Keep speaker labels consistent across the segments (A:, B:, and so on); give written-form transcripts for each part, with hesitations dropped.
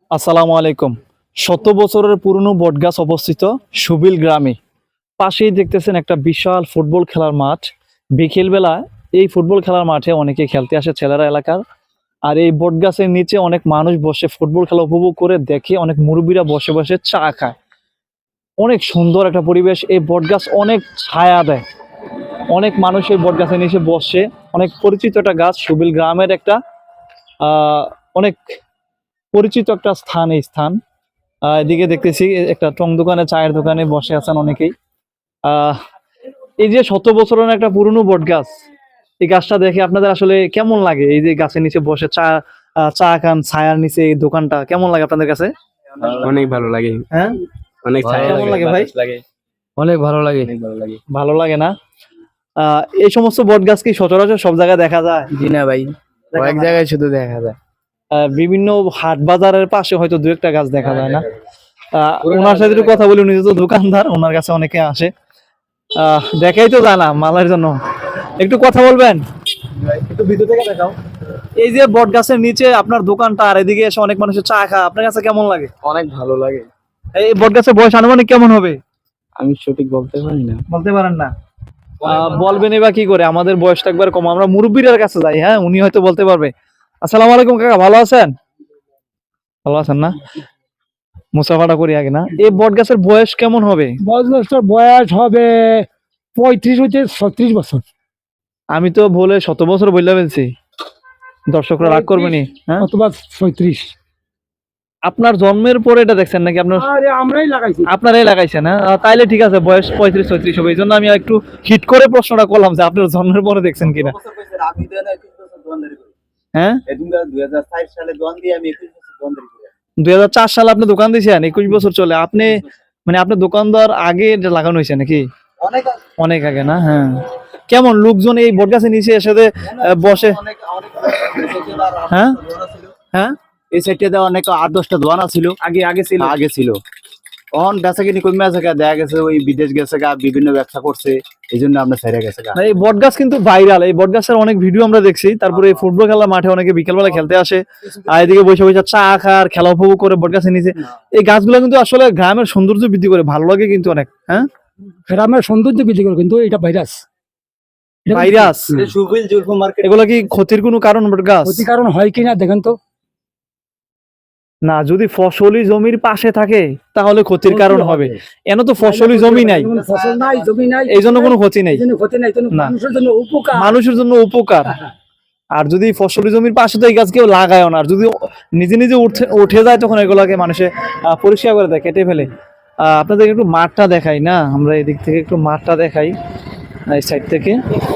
A: আসসালামু আলাইকুম। শত বছরের পুরনো বটগাছ অবস্থিত সুবিল গ্রামে। পাশেই দেখতেছেন একটা বিশাল ফুটবল খেলার মাঠ। বিকেলবেলা এই ফুটবল খেলার মাঠে অনেকে খেলতে আসে ছেলেরা এলাকার। আর এই বটগাছের নিচে অনেক মানুষ বসে ফুটবল খেলা উপভোগ করে দেখে, অনেক মুরব্বীরা বসে বসে চা খায়। অনেক সুন্দর একটা পরিবেশ। এই বটগাছ অনেক ছায়া দেয়। অনেক মানুষ এই বটগাছের নিচে বসে। অনেক পরিচিত একটা গাছ, সুবিল গ্রামের একটা অনেক পরিচিত একটা স্থান এই স্থান। এদিকে দেখতেছি একটা টং দোকানে, চায়ের দোকানে বসে আছেন অনেকেই। আহ এই যে শত বছরের একটা পুরনো বট গাছ, এই গাছটা দেখে আপনাদের আসলে কেমন লাগে? এই যে গাছের নিচে বসে চা খান, ছায়ার নিচে এই দোকানটা কেমন লাগে আপনাদের কাছে?
B: অনেক ভালো লাগে।
A: হ্যাঁ,
B: অনেক
A: কেমন লাগে ভাই?
B: অনেক ভালো লাগে।
A: ভালো লাগে না? এই সমস্ত বট গাছ কি সচরাচর সব জায়গায় দেখা যায়?
B: জি না ভাই, কয়েক জায়গায় শুধু দেখা যায়।
A: বিভিন্ন হাট বাজারের পাশে হয়তো দু একটা গাছ দেখা যায় না? ওনার সাথে একটু কথা বলি, উনি তো দোকানদার, ওনার কাছে অনেকে আসে। দেখাই তো জানা মালের জন্য। একটু কথা বলবেন? একটু ভিতর থেকে দেখাও। এই যে বট গাছের নিচে আপনার দোকানটা, আর এদিকে এসে অনেক মানুষের চা খায়, আপনার কাছে কেমন লাগে?
B: অনেক ভালো লাগে।
A: এই বট গাছের বয়স আনুমানিক কেমন হবে?
B: আমি সঠিক বলতে পারি না।
A: বলতে পারেন না? বলবেন এবার কি করে? আমাদের বয়সটা একবার কম, আমরা মুরব্বীর কাছে যাই। হ্যাঁ, উনি হয়তো বলতে পারবে। আসসালামু আলাইকুম কাকা, ভালো আছেন? ভালো আছেন না? মুসাফাটা করি আগে না। এই বট গাছের বয়স কেমন হবে?
C: বজবস্টার বয়স হবে 35 হইতে 36 বছর।
A: আমি তো বলে 100 বছর বললে ফেলছি, দর্শকরা রাগ করবেনি। হ্যাঁ,
C: অথবা 36।
A: আপনার জন্মের পরে এটা দেখছেন নাকি? আপনার
C: আরে আমরাই লাগাইছি।
A: আপনারাই লাগাইছেন? হ্যাঁ, তাইলে ঠিক আছে, বয়স 35-36 হবে। এই জন্য আমি একটু হিট করে প্রশ্নটা করলাম যে আপনার জন্মের পরে দেখছেন কিনা। হ্যাঁ, 2004 সালে আপনি দোকান দিয়েছেন, 21 বছর চলে। আপনি মানে আপনার দোকানদার আগে এটা লাগানো হয়েছে নাকি? অনেক আগে না? হ্যাঁ। কেমন লোকজন এই বট গাছের নিচে এসে বসে? হ্যাঁ হ্যাঁ,
B: এই সাইডটাতে অনেক 8-10টা দোকান ছিল।
A: আগে ছিল।
B: আগে ছিল, অন বেচা কিনি কমে আছে গা, দেখা গেছে ওই বিদেশ গেছে গা, বিভিন্ন ব্যবসা করছে, এই জন্য আমরা ছেড়ে গেছে গা।
A: না, এই বট গাছ কিন্তু ভাইরাল। এই বট গাছের অনেক ভিডিও আমরা দেখছি। তারপরে এই ফুটবল খেলার মাঠে অনেকে বিকেলবেলা খেলতে আসে, আর এদিকে বসে বসে চা খার, খেলা উপভোগ করে বট গাছের নিচে। এই গাছগুলো কিন্তু আসলে গ্রামের সৌন্দর্য বৃদ্ধি করে, ভালো লাগে কিন্তু অনেক। হ্যাঁ,
C: গ্রামের সৌন্দর্য বৃদ্ধি করে, কিন্তু এটা ভাইরাস।
A: ভাইরাস। এগুলো কি ক্ষতির কোনো কারণ বট গাছ?
C: ক্ষতি কারণ হয় কিনা দেখেন তো।
A: না, যদি ফসলি জমির পাশে থাকে তাহলে ক্ষতির কারণ হবে। এন তো ফসলি জমি নাই,
C: ফসল নাই, জমি নাই,
A: এই জন্য কোনো ক্ষতি নেই।
C: এই জন্য ক্ষতি নাই,
A: না।
C: মানুষের জন্য উপকার।
A: মানুষের জন্য উপকার। আর যদি ফসলি জমির পাশে তো এই গাছ কেউ লাগায় না, আর যদি নিজে নিজে উঠে যায় তখন এগুলাকে মানুষে পরিষ্কার করে দেয়, কেটে ফেলে। আপনাদের একটু মাঠটা দেখাই না, আমরা এদিক থেকে একটু মাঠটা দেখাই, এই সাইড থেকে।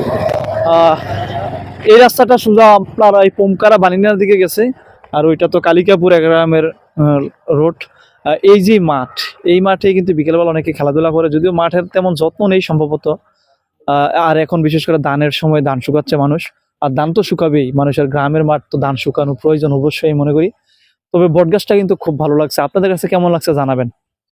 A: এই রাস্তাটা সোজা আপনার এই পোমকারা বানিনার দিকে গেছে, আর ওইটা তো কালিকাপুর গ্রামের রোড। এই যে মাঠ, এই মাঠে কিন্তু বিকেলবেলা অনেকে খেলাধুলা করে, যদিও মাঠের তেমন যত্ন নেই সম্ভবত। আর এখন বিশেষ করে ধানের সময় ধান শুকাচ্ছে মানুষ, আর ধান তো শুকাবেই, মানুষের গ্রামের মাঠ তো ধান শুকানো প্রয়োজন অবশ্যই মনে করি। তবে বটগাছটা কিন্তু খুব ভালো লাগছে। আপনাদের কাছে কেমন লাগছে জানাবেন।